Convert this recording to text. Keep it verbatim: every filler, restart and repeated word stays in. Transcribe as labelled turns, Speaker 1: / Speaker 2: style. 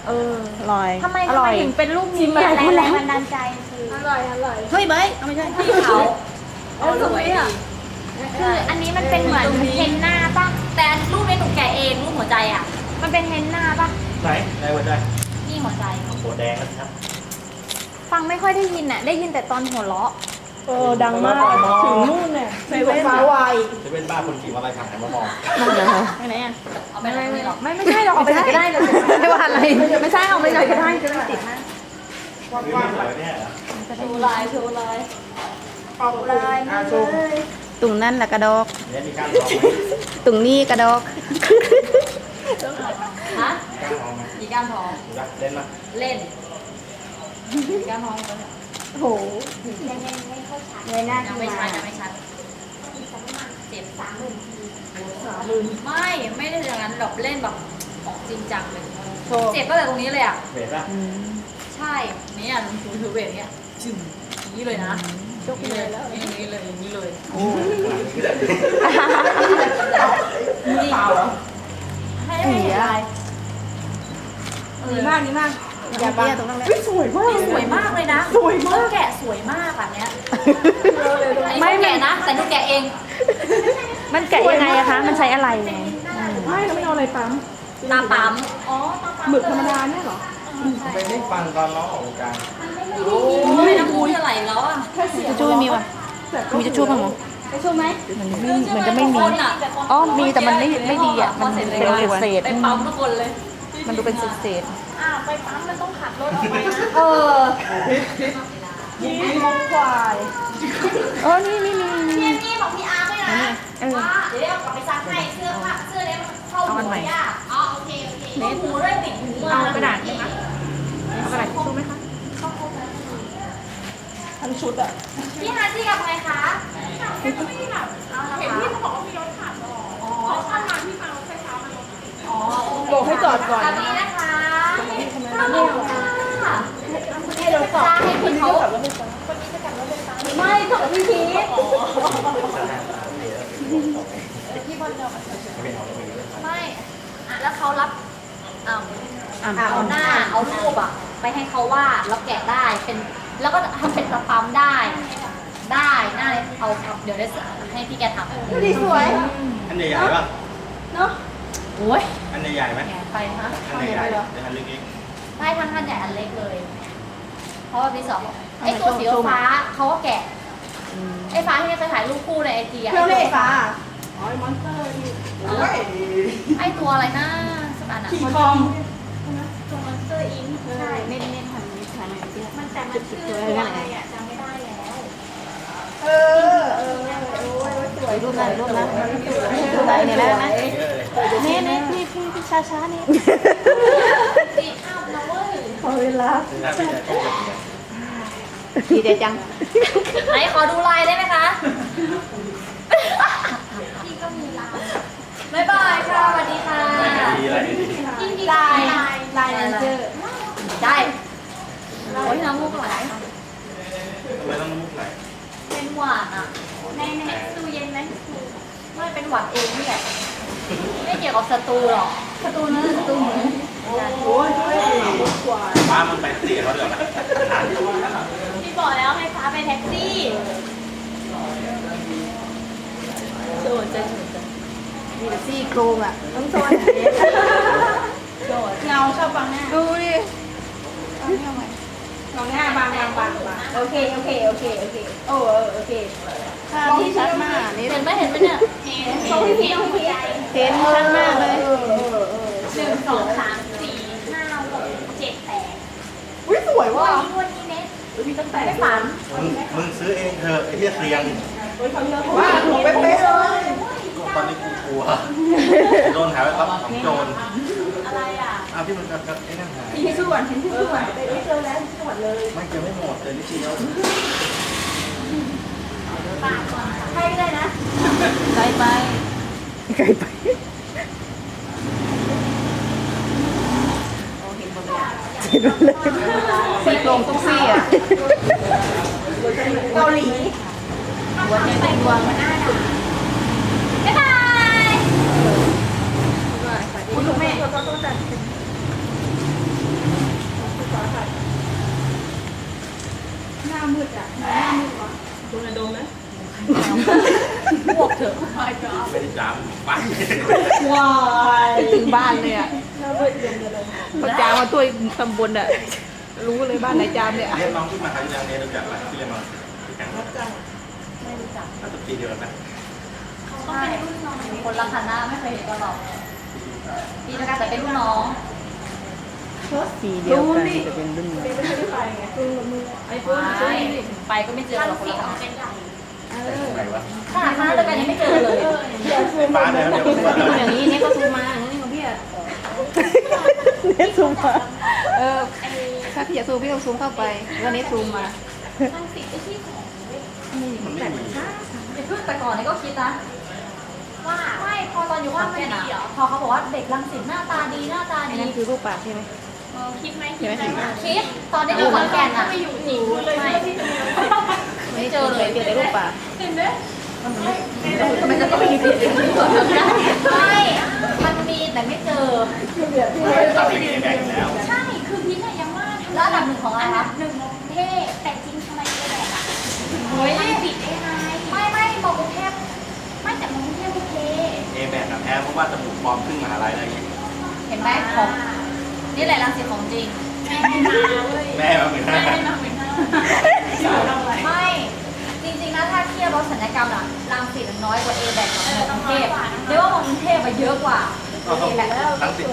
Speaker 1: เออ
Speaker 2: อร่อย
Speaker 3: ทำไม
Speaker 2: อ
Speaker 3: ทำ
Speaker 2: ร่
Speaker 3: ไม
Speaker 2: อย
Speaker 3: ถึงเป็นรูปนี้
Speaker 2: ชิมอะไร
Speaker 3: แรง
Speaker 2: คุณแล้
Speaker 3: แรง
Speaker 2: ว
Speaker 3: บันดาลใจคือ
Speaker 1: อร่อยอร่อย
Speaker 2: เฮ้ยเบยเอาไม่ใช่
Speaker 4: ที่เขา
Speaker 1: เออสวยอ่ะ
Speaker 3: คืออันนี้มันเป็นเหมือนเฮนน่าป่ะ
Speaker 4: แต่รูปในหนูแกะเองรูปหัวใจอ่ะ
Speaker 3: มันเป็นเฮนน่าป่ะ
Speaker 5: ไหนไหนหัวใจ
Speaker 4: นี่หัวใจ
Speaker 5: หัวแดงนะครับ
Speaker 3: ฟังไม่ค่อยได้ยินอ่ะ ได้ยินแต่ตอนหัวเราะ
Speaker 2: เออดังมากถึงนู่นเนี่ยเซเว่น
Speaker 1: ฟ้าวาย
Speaker 5: จะเป็นบ้าคนขี่มอเตอร์ไซค์หันมามอง
Speaker 2: นั่นเหรอ
Speaker 3: ไปไหนอ่ะ
Speaker 4: เอาไปไม่หรอก
Speaker 3: ไม่ไม่ใช่เราเอาไปไหนก็ได้เลย
Speaker 2: ไม่ว่าอะไร
Speaker 3: ไม่ใช่เอาไปไหนก็ได้จะไม่ติดนะ
Speaker 5: นี่ไม่สวยเนี่ยเหรอ
Speaker 4: ชูลายชูลาย
Speaker 1: ออกเลยมาเลย
Speaker 2: ตุ่งนั่นแหละกระดอก
Speaker 5: เนี่ยมีการลองไหม
Speaker 2: ตุ่งนี่กระดอก
Speaker 4: ฮะ
Speaker 5: การลองไหม
Speaker 4: มีก้านทอง
Speaker 5: ดูนะเล่นนะ
Speaker 4: เล่นมีก้านทองไหม
Speaker 1: โอ้โห
Speaker 3: ยังยังไม่เข้าชัด
Speaker 1: เลยหน้า
Speaker 4: ยังไม่ชัดยังไม่ชัดเจ็บ
Speaker 3: สามหมื่น
Speaker 1: สามหมื่น
Speaker 4: ไม่ไม่ได้อย่างนั้นแบบเล่นแบบออกจริงจังเลย
Speaker 1: โชว์
Speaker 4: เจ็บก็แต่ตรงนี้เลยอ่ะ
Speaker 5: เบรป่ะ
Speaker 4: ใช่นี่อ่ะถือถือเวทเนี้ยจึงอย่างนี้เลยนะ
Speaker 1: ยกเลยแล้ว
Speaker 4: อย่างนี้เลยอย่างนี้เลย
Speaker 5: โอ้ย
Speaker 4: นี่เปล่าเหรอให้ให้เห็นลาย
Speaker 1: ดีมากดีมาก
Speaker 2: อย่าบ้าตรงนั้นแหละ
Speaker 1: สวยมาก
Speaker 4: นี่สวยมากเลยนะ
Speaker 1: สวยมาก
Speaker 4: แกะสวยมากอ่ะเนี้ย
Speaker 3: ไม่
Speaker 4: ไม่
Speaker 3: ไม่
Speaker 4: แกะนะ แต่หนูแกะเอง
Speaker 3: มันแกะยังไงอะคะ มันใช้อะไรไง
Speaker 1: ไม่เราไม่เอาอะไรปั๊ม
Speaker 4: ตาปั๊ม
Speaker 3: อ๋อตาปั๊ม
Speaker 1: หมึกธรรมดาเนี่ยเหรอ
Speaker 5: ไปไม่ฟังตอนน้องออกวงการ
Speaker 4: ไม่น้ำมูกจะไหลแล้วอ่ะ
Speaker 1: แค่เสีย
Speaker 2: จะช่วยมีวะมีจะช่วยบ้างมั้ง
Speaker 3: ไปช่วยไหม
Speaker 2: มันไม่เหมือนจะไม่มี
Speaker 4: คนอ่ะ
Speaker 2: อ๋อมีแต่มันไม่ไม่ดีอ่ะ
Speaker 4: พ
Speaker 2: มัน
Speaker 4: เสร็จ
Speaker 2: เป็น
Speaker 4: เลย
Speaker 2: เศษ
Speaker 4: ไปปั๊มทุกคนเลย
Speaker 2: ๆมันดูเป็นเศษ
Speaker 3: อ้าวไปปั๊มมันต้องขับรถออกไปนะ
Speaker 4: เออ
Speaker 1: ยิ้มมองควาย
Speaker 2: ๆเออนี่นี่นี่
Speaker 4: พี่นี่ของพี่อาร์ด้วยนะ
Speaker 2: เออ
Speaker 4: ว่าเดี๋ยวเอากลับไปซักให้เสื้อผ้าเสื้อเนี้ยมันเข้า
Speaker 2: เอาอัน
Speaker 4: หู
Speaker 2: ใหม่
Speaker 4: ยากอ๋อโอเคโอเคเน็ตหูด้วยติดหูมา
Speaker 2: เอากระดาษไหมคะเอากระดาษทิชชู่ไหมคะ
Speaker 1: ทั้งชุดอ่ะ
Speaker 4: พี่ฮาร์จี้กับใครคะไม่ได้แบบเห็นพี่เขาบอกว่ามีรถขับอ๋อข้างมาพี่มารถไฟฟ้ามาอ๋อ
Speaker 1: บอกให้จอดก่อน
Speaker 4: ตอนนี้นะคะ
Speaker 1: นี่ทำไม
Speaker 4: ข้าว
Speaker 1: ไม่
Speaker 4: หมู
Speaker 1: เอา
Speaker 4: ค่ะ
Speaker 1: ให้เราสอบ
Speaker 4: ให้
Speaker 1: คน
Speaker 4: พี่
Speaker 1: นี้
Speaker 4: เขา
Speaker 1: ก็แบบว่าไม่จอด
Speaker 4: ไม่กับพี่พีทไม่อะแล้วเขารับอ่า
Speaker 2: อ่าน
Speaker 4: เอาหน้าเอารูปอะไปให้เขาวาดแล้วแกะได้เป็นแล้วก็ทำเป็นสปัมได้ ได้หน้าเอาเอาเดี๋ยวได้ให้พี่แกทำ
Speaker 1: ดูดีสวย
Speaker 5: อันใหญ่ๆป่ะ
Speaker 1: เนาะ
Speaker 4: โอ้ย
Speaker 5: อันใหญ่ๆไหม
Speaker 4: แกะไปฮะ
Speaker 5: อันใหญ่ๆหรืออันเล็ก
Speaker 4: ได้ทั้งท่านใหญ่อันเล็กเลย เพราะว่าพี่สองไอ้ตัวสีฟ้าเขาก็แกะไอ้ฟ้าที่เนี่ยเคยถ่ายรูปคู่ในไอจีอะ
Speaker 1: เครื่อง
Speaker 4: ไอ้
Speaker 1: เล่
Speaker 4: ตัว
Speaker 1: ฟ้าอ๋อไอ้มอนสเตอร์นี่โอ้ย
Speaker 4: ไอ้ตัวอะไรนะสักอันอะ
Speaker 1: ขี่คอง
Speaker 3: ตัวมอนสเตอร์อิง
Speaker 1: ใช่
Speaker 3: เน้นเน้นทำนี้ทำนี้มันแต่มันชื่อตัวอะไรอะจำไม่ได้แล้ว
Speaker 1: เออเออโอ้ยสวย
Speaker 2: รูปนั้นรูปนั้น
Speaker 1: รูปไหนเนี่ยแล้วนะ
Speaker 5: ๆเยอะเลย
Speaker 2: นี่นี่พี่พี่พี่ช้าช้าๆนี่
Speaker 4: ตีอ้าวนะเว้ย
Speaker 1: พอเวลา
Speaker 5: คือถ้าเป็นแบบ
Speaker 2: ดีเดียวจัง
Speaker 4: ไหนขอดูลายได้ไหมคะ
Speaker 3: พี่ก็มีลาย
Speaker 4: บ๊ายบายค่ะสวัสดีค่ะ
Speaker 5: ดีอะไรดี
Speaker 3: ยิ่งดี
Speaker 1: ลาย
Speaker 3: ลาย
Speaker 1: ลายเลนเจอร์
Speaker 4: ได้โอ้ยน้ำมูกไหล
Speaker 5: ทำไมต้องน้ำมุกไหล
Speaker 4: เป็นหวานอ่ะ
Speaker 3: ในในตู้เย็นไหม
Speaker 4: ไม่เป็นหวัดเองนี่แหละไม่เกี่ยวกับสตูหรอก
Speaker 3: ประตูนั้นประตูหมู
Speaker 1: โอ้ยกว่า
Speaker 5: ป้ามันไปตีเขาเดือดไหม
Speaker 3: พี่บอกแล้วไฟฟ้าไปแท็กซี่
Speaker 1: โดดจะมีแต่ซี่โครงอ่ะต้องโซนโดดเงาชอบบังหน้าดูดิบังหน้าบางบางบางบางโอเคโอเคโอเคโอเคโอ้เออโอเคภาพที่ชัดมากนี่
Speaker 4: เห็นไหมเห็นไหมเนี่ย
Speaker 3: เห็นเห็นเห็นหัวใจ
Speaker 1: เห็นชัดมากเลย
Speaker 3: หนึ่งสองสามสี่ห้าหกเจ็ดแปด
Speaker 1: อุ้ยสวย
Speaker 3: วั
Speaker 1: ว่ะ
Speaker 3: นนี้วันนี้เน็ต
Speaker 1: มีตั้งแต่
Speaker 4: ไม่ฝัน
Speaker 5: มึงมึงซื้อเองเถอะไอ้เหี้ยเสียง
Speaker 1: ว่าหนูเป๊ะเลย
Speaker 5: ตอนนี้กูกลัวโดนหาไปรับของโจร
Speaker 3: อะไรอ่ะ
Speaker 5: อ้าวที่มันกับไอ้นั่นหาย
Speaker 1: ที่ส่วนที่ส่วนไปเจอแล้วที่จังหวัดเลย
Speaker 5: ไม่เจอไม่หมดเลยนิดเดียว
Speaker 3: ปากก่อนค่ะ
Speaker 1: ใครก็ได้นะ
Speaker 2: ไกลไปไกลไปเห็นหมดเลยซี่โครงทุกซี่อ่ะ
Speaker 1: เกาหลี
Speaker 2: หัวใจเต้นดวง
Speaker 4: บ๊ายบาย
Speaker 1: คุณแม่ก็ต้องจัด
Speaker 4: พวกเถอะ
Speaker 5: ไม่ได้จามไป
Speaker 2: ว้าย
Speaker 1: ถึงบ้านเลยอ่ะพอจามมาตัวตำบลอ่ะรู้เลยบ้านไหนจามเนี่ย
Speaker 5: เรียกน้องขึ้นมาครั้งที่แล้วเนี่ยรู้จักไหมที่เรียนมาแข่ง
Speaker 4: ไม่รู้จัก
Speaker 5: น่าจะปีเดียวกันนะ
Speaker 4: ใช่คนละคณะไม่เคยเห็นกันหรอกปีละกันแต่เป็นรุ่นน้อง
Speaker 2: สีเดียวกันจะเป็นรุ่นน้อง
Speaker 4: ไม่ไปก็ไม่เจอหรอกคนละคณะ
Speaker 3: เป็นใหญ่
Speaker 5: ไหนวะ
Speaker 4: ขนาดคณะเดียวกันยังไม่เจอเลย
Speaker 5: ไฟฟ้าเนี่ยเดี๋ยวผมว่า
Speaker 1: อย่างนี้เนี่ยก็ซูมมาอย่างนี้ของพี่อ่ะ
Speaker 2: เนี่ยซูมมา
Speaker 1: เออถ้าพี่อยากซูมพี่ต้องซูมเข้าไปวันนี้ซูมมา
Speaker 3: มันติดไอ้ที่ของเว้ย
Speaker 5: มันไม่มี
Speaker 4: อย่าเพิ่งแต่ก่อนเนี่ยก็คิดนะ
Speaker 3: ว่า
Speaker 4: ไม่พอตอนอยู่ขอนแก่นอะพอเขาบอกว่าเด็กรังสิตหน้าตาดีหน้าตา
Speaker 1: อัน
Speaker 4: ดี
Speaker 1: นั้นคือรูปปากใช่ไหม
Speaker 3: คิดไหมคิดไหม
Speaker 4: คิดตอนได้อยู่ขอนแก่นอะ
Speaker 3: ไม่อยู่จริงเลย
Speaker 4: ไม่ไม่เจอเลย
Speaker 1: เจอแต่รูปปาก
Speaker 3: เห็นไหม
Speaker 1: ทำไมจะต้องมีผิดอย่างนี้ก่อนได้
Speaker 4: ไม่มันมีแต่ไม่เจอ
Speaker 5: ทำอย่างนี้แบ่งแล้ว
Speaker 3: ใช่คือพี่น่ะยังว่าทำไม
Speaker 4: แล้วอันดับหนึ่งของอะไร
Speaker 3: อันดั
Speaker 4: คะ
Speaker 3: บหนึ่งของกรุงเทพแต่จริงทำไมเอแบกอะ
Speaker 4: เฮ้ย
Speaker 3: มันปิดได้ไง
Speaker 4: ไม่ไม่มองกรุงเทพ
Speaker 3: ไม่แต่มันกรุงเทพโอเค
Speaker 5: เอแบกกับแพ้เพราะว่าจมูกปลอมขึ้นมหาลัยอะไรอย่างเงี้ย
Speaker 4: เห็นไหมของนี่แหละรังสิตของจริง
Speaker 3: แม่ไม่มาเว้ย
Speaker 5: แม่มาเหมือน
Speaker 3: แม่
Speaker 5: กัน
Speaker 3: ไม่มาเหมือนกัน
Speaker 4: ไม่จริงๆนะถ้าเทียบรถสัญญกรรมอะรังสิตน้อยกว่าเอแบกกับมอกรุงเทพเรียกว่ามอกรุงเทพอะเยอะกว่า
Speaker 5: ก็เขา
Speaker 4: เอแบก
Speaker 5: ทั้งสิ